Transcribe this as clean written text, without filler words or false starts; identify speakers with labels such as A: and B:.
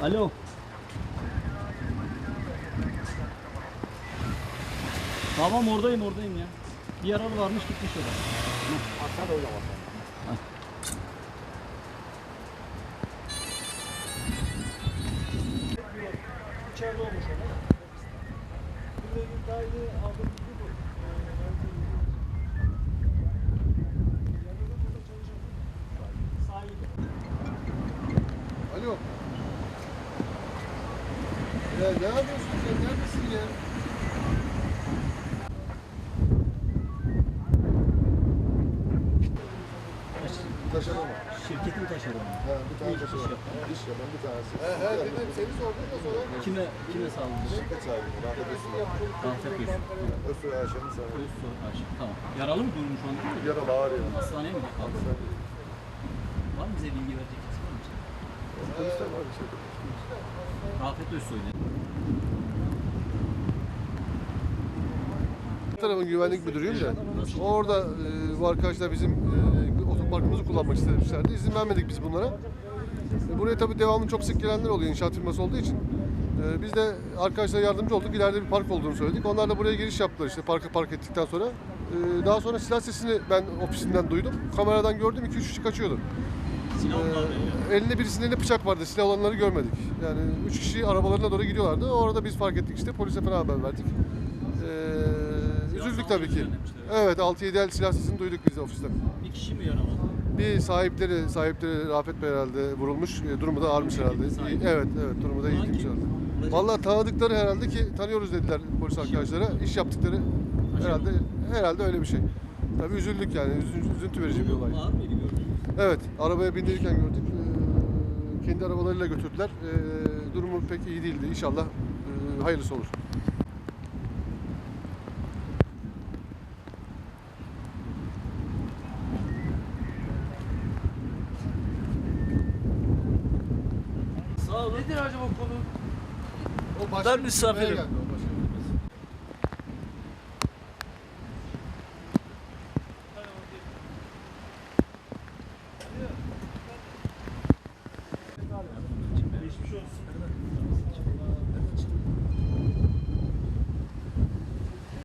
A: Alo. Tamam oradayım ya. Bir yaralı varmış gitmiş oraya.
B: Aşağıda öyle var. İçeride olmuş ona. Bununla ilgili daha yeni aldığım bilgi bu. Yanında burada çalışan sahibi.
C: Alo. Ya ne yapıyorsun sen? Neredesin ya? Taşeron mu?
A: Şirketin taşeronu.
C: Ha, bir tane
A: İş
C: taşeron.
A: yapan.
C: İş yapan bir tanesi. Dedim seni sordum da sonra.
A: Kime sağladın?
C: Şirket sahibi. Rahmet Özsoy.
A: Rafet Gülsün.
C: Özsoy Ayşe'nin sahibi.
A: Özsoy Ayşe. Tamam. Yaralı mı durum şu anda?
C: Yaralı ağır yaralı.
A: Hastaneye mi kaldı? Var mı bize bilgi verecek kimse var mı?
C: Polisler var bir şey.
A: Rafet Özsoy ne?
C: Tarafın güvenlik müdürüyüm de orada bu arkadaşlar bizim otoparkımızı kullanmak istemişlerdi. İzin vermedik biz bunlara. Buraya tabii devamlı çok sık gelenler oluyor inşaat firması olduğu için. Biz de arkadaşlara yardımcı olduk. İleride bir park olduğunu söyledik. Onlar da buraya giriş yaptılar işte park ettikten sonra. Daha sonra silah sesini ben ofisinden duydum. Kameradan gördüm 2-3 kişi kaçıyordu.
A: Silah var
C: Elinde birisinin elinde bıçak vardı. Silah olanları görmedik. Yani 3 kişi arabalarına doğru gidiyorlardı. Orada biz fark ettik işte. Polise falan haber verdik. Üzüldük tabii ki. Evet 6-7 el silah sesini duyduk biz de ofisten.
A: Bir kişi mi yaraladı?
C: Bir sahipleri Rafet Bey herhalde vurulmuş. Durumu da ağırmış herhalde. Evet durumu da iyiymiş herhalde. Vallahi tanıdıkları herhalde ki tanıyoruz dediler polis arkadaşlara. İş yaptıkları herhalde öyle bir şey. Tabii üzüldük yani. Üzüntü verici bir olay.
A: Ağır mıydı gördünüz?
C: Evet, arabaya bindirirken gördük. Kendi arabalarıyla götürdüler. Durumu pek iyi değildi. İnşallah hayırlısı olur.
A: Sağ olun.
B: Nedir acaba konu?
C: O başka
A: Ben misafirim.
C: bir geldi.